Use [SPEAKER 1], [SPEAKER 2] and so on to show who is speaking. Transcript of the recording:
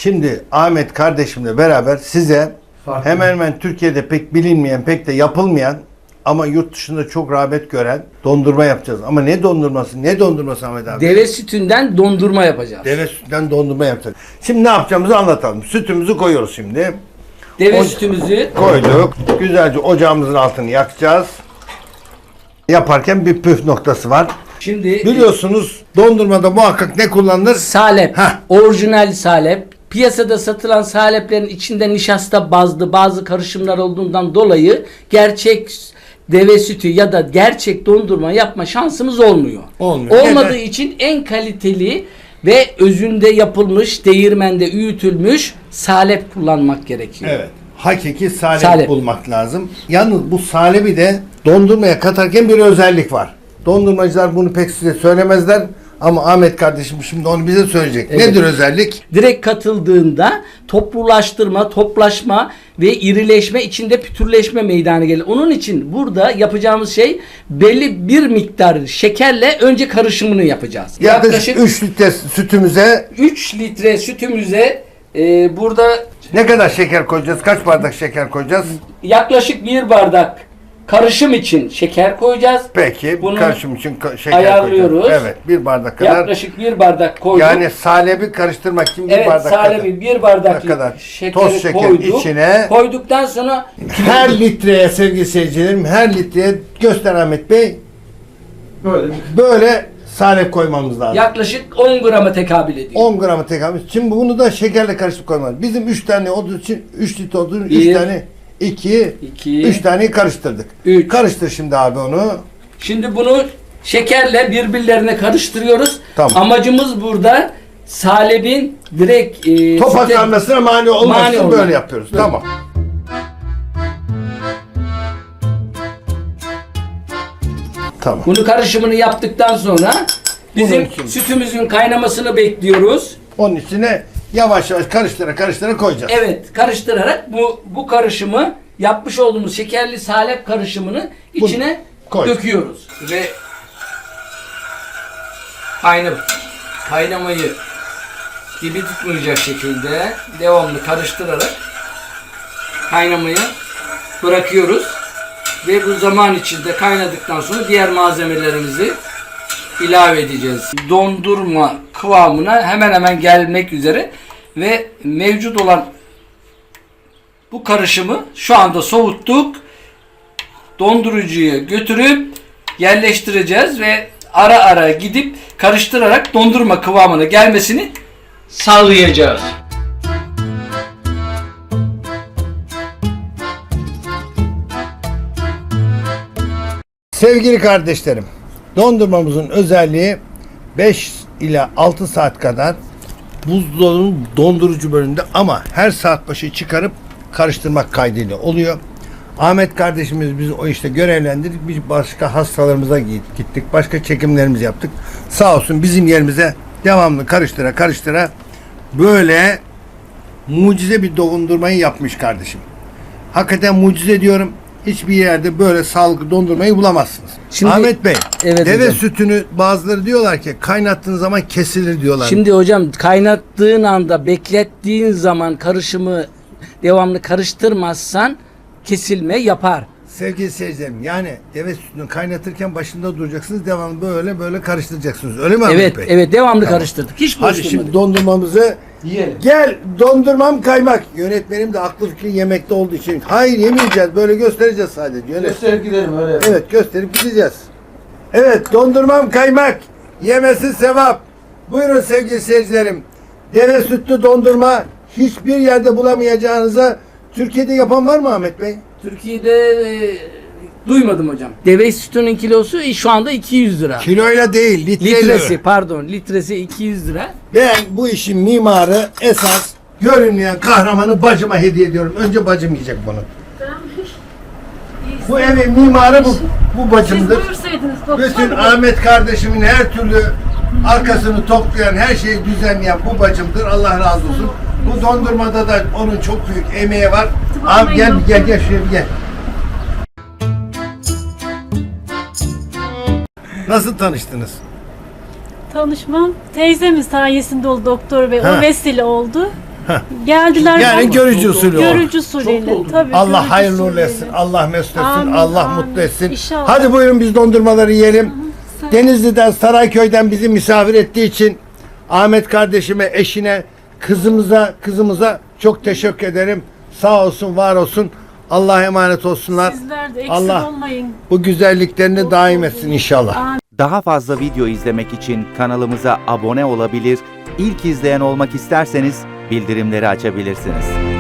[SPEAKER 1] Şimdi Ahmet kardeşimle beraber size hemen hemen Türkiye'de pek bilinmeyen, pek de yapılmayan ama yurt dışında çok rağbet gören dondurma yapacağız. Ama ne dondurması? Ne dondurması Ahmet abi?
[SPEAKER 2] Deve sütünden dondurma yapacağız.
[SPEAKER 1] Deve sütünden dondurma yapacağız. Şimdi ne yapacağımızı anlatalım. Sütümüzü koyuyoruz şimdi.
[SPEAKER 2] Deve sütümüzü
[SPEAKER 1] Koyduk. Güzelce ocağımızın altını yakacağız. Yaparken bir püf noktası var.
[SPEAKER 2] şimdi
[SPEAKER 1] Biliyorsunuz dondurmada muhakkak ne kullanılır?
[SPEAKER 2] salep,
[SPEAKER 1] Heh.
[SPEAKER 2] orijinal salep. Piyasada satılan saleplerin içinde nişasta bazlı bazı karışımlar olduğundan dolayı gerçek deve sütü ya da gerçek dondurma yapma şansımız olmuyor.
[SPEAKER 1] Olmuyor.
[SPEAKER 2] Olmadığı
[SPEAKER 1] Neden?
[SPEAKER 2] için en kaliteli ve özünde yapılmış, değirmende öğütülmüş salep kullanmak gerekiyor.
[SPEAKER 1] Evet. Hakiki salep,
[SPEAKER 2] Salep.
[SPEAKER 1] bulmak lazım. Yalnız bu salebi de dondurmaya katarken bir özellik var. Dondurmacılar bunu pek size söylemezler ama Ahmet kardeşim şimdi onu bize söyleyecek.
[SPEAKER 2] Evet.
[SPEAKER 1] Nedir özellik?
[SPEAKER 2] Direkt katıldığında toplulaştırma, toplaşma ve irileşme, içinde pütürleşme meydana gelir. Onun için burada yapacağımız şey belli bir miktar şekerle önce karışımını yapacağız.
[SPEAKER 1] Yaklaşık 3 litre sütümüze
[SPEAKER 2] 3 litre sütümüze burada
[SPEAKER 1] ne kadar şeker koyacağız? Kaç bardak şeker koyacağız?
[SPEAKER 2] yaklaşık 1 bardak karışım için şeker koyacağız.
[SPEAKER 1] Peki
[SPEAKER 2] Bunu
[SPEAKER 1] karışım için şeker
[SPEAKER 2] ayarlıyoruz.
[SPEAKER 1] koyacağız. Evet, 1 bardak kadar.
[SPEAKER 2] Yaklaşık 1 bardak koyduk.
[SPEAKER 1] Yani salebi karıştırmak için 1
[SPEAKER 2] evet,
[SPEAKER 1] bardak
[SPEAKER 2] salebi 1 bardak
[SPEAKER 1] kadar
[SPEAKER 2] şekeri
[SPEAKER 1] toz şeker
[SPEAKER 2] koyduk.
[SPEAKER 1] içine.
[SPEAKER 2] Koyduktan sonra
[SPEAKER 1] Her litreye sevgili seyircilerim, her litreye göster Ahmet Bey. Böyle salep koymamız lazım.
[SPEAKER 2] yaklaşık 10 grama tekabül ediyor.
[SPEAKER 1] 10 gramı tekabül. Şimdi bunu da şekerle karıştırıp koymalıyız. Bizim 3 tane olduğu için 3 litre olduğu için 3
[SPEAKER 2] Bir,
[SPEAKER 1] tane 2
[SPEAKER 2] iki,
[SPEAKER 1] 3 taneyi karıştırdık.
[SPEAKER 2] üç.
[SPEAKER 1] Karıştır şimdi abi onu.
[SPEAKER 2] Şimdi bunu şekerle birbirlerine karıştırıyoruz.
[SPEAKER 1] Tamam.
[SPEAKER 2] Amacımız burada salebin direkt
[SPEAKER 1] Topaklanmasına mani olmak
[SPEAKER 2] Mani
[SPEAKER 1] için
[SPEAKER 2] olmak.
[SPEAKER 1] böyle yapıyoruz.
[SPEAKER 2] Böyle.
[SPEAKER 1] Tamam. Tamam.
[SPEAKER 2] bunu karışımını yaptıktan sonra bizim
[SPEAKER 1] Bunun için.
[SPEAKER 2] sütümüzün kaynamasını bekliyoruz.
[SPEAKER 1] Onun içine yavaş yavaş karıştıra koyacağız.
[SPEAKER 2] Evet, karıştırarak bu karışımı yapmış olduğumuz şekerli salep karışımını içine
[SPEAKER 1] koy.
[SPEAKER 2] döküyoruz ve kaynamayı dibi tutmayacak şekilde devamlı karıştırarak kaynamayı bırakıyoruz ve bu zaman içinde kaynadıktan sonra diğer malzemelerimizi ilave edeceğiz. Dondurma kıvamına hemen hemen gelmek üzere ve mevcut olan bu karışımı şu anda soğuttuk. Dondurucuya götürüp yerleştireceğiz ve ara ara gidip karıştırarak dondurma kıvamına gelmesini sağlayacağız.
[SPEAKER 1] Sevgili kardeşlerim, dondurmamızın özelliği 5 ila 6 saat kadar buzdolabının dondurucu bölümünde ama her saat başı çıkarıp karıştırmak kaydıyla oluyor. Ahmet kardeşimiz bizi o işte görevlendirdik. Biz başka hastalarımıza gittik. Başka çekimlerimizi yaptık. Sağ olsun bizim yerimize devamlı karıştıra böyle mucize bir dondurmayı yapmış kardeşim. Hakikaten mucize diyorum. Hiçbir yerde böyle sağlıklı dondurmayı bulamazsınız.
[SPEAKER 2] Şimdi-
[SPEAKER 1] Ahmet Bey,
[SPEAKER 2] Evet
[SPEAKER 1] deve
[SPEAKER 2] hocam.
[SPEAKER 1] sütünü bazıları diyorlar ki kaynattığın zaman kesilir diyorlar.
[SPEAKER 2] Şimdi hocam kaynattığın anda beklettiğin zaman karışımı devamlı karıştırmazsan kesilme yapar.
[SPEAKER 1] Sevgili seyircilerim, yani deve sütünü kaynatırken başında duracaksınız. Devamlı böyle karıştıracaksınız. Öyle mi Ahmet
[SPEAKER 2] Evet,
[SPEAKER 1] Bey?
[SPEAKER 2] evet devamlı karıştırdık. Hiç boş
[SPEAKER 1] Hadi
[SPEAKER 2] durmadık.
[SPEAKER 1] şimdi dondurmamızı
[SPEAKER 2] Yiyelim.
[SPEAKER 1] gel, dondurmam kaymak. Yönetmenim de aklı fikri yemekte olduğu için. Hayır, yemeyeceğiz. Böyle göstereceğiz sadece.
[SPEAKER 3] Gösterip gidelim öyle.
[SPEAKER 1] Evet, gösterip gideceğiz. Evet, dondurmam kaymak. Yemesi sevap. Buyurun sevgili seyircilerim. Deve sütlü dondurma hiçbir yerde bulamayacağınıza Türkiye'de yapan var mı Ahmet Bey?
[SPEAKER 2] Türkiye'de duymadım hocam. Deve sütünün kilosu şu anda 200 lira.
[SPEAKER 1] Kiloyla değil,
[SPEAKER 2] Litresi 200 lira.
[SPEAKER 1] Ben bu işin mimarı, esas görünmeyen kahramanı bacıma hediye ediyorum. Önce bacım yiyecek bunu. Bu evin mimarı bu bacımdır.
[SPEAKER 4] Siz buyursaydınız doktor
[SPEAKER 1] Bütün
[SPEAKER 4] bey.
[SPEAKER 1] Ahmet kardeşimin her türlü arkasını toplayan, her şeyi düzenleyen bu bacımdır. Allah razı olsun. Bu dondurmada da onun çok büyük emeği var. Abi gel şuraya bir gel. Nasıl tanıştınız?
[SPEAKER 4] Tanışmam teyzemin sayesinde oldu doktor bey.
[SPEAKER 1] Ha.
[SPEAKER 4] O vesile oldu.
[SPEAKER 3] Geldiler.
[SPEAKER 1] Yani görücü usulü oldu.
[SPEAKER 3] Görücü usulüyle. Tabii,
[SPEAKER 1] Allah
[SPEAKER 3] görücü
[SPEAKER 1] hayırlı uğurlu
[SPEAKER 3] usulüyle.
[SPEAKER 1] etsin. Allah mesut etsin.
[SPEAKER 3] Amin,
[SPEAKER 1] Allah
[SPEAKER 3] amin.
[SPEAKER 1] mutlu etsin.
[SPEAKER 3] İnşallah.
[SPEAKER 1] Hadi buyurun biz dondurmaları yiyelim. Denizli'den, Sarayköy'den bizi misafir ettiği için Ahmet kardeşime, eşine, kızımıza çok teşekkür ederim. Sağ olsun, var olsun. Allah'a emanet olsunlar.
[SPEAKER 3] Sizler de eksik
[SPEAKER 1] Allah
[SPEAKER 3] olmayın.
[SPEAKER 1] bu güzelliklerini daim etsin inşallah.
[SPEAKER 4] Daha fazla video izlemek için kanalımıza abone olabilir, ilk izleyen olmak isterseniz bildirimleri açabilirsiniz.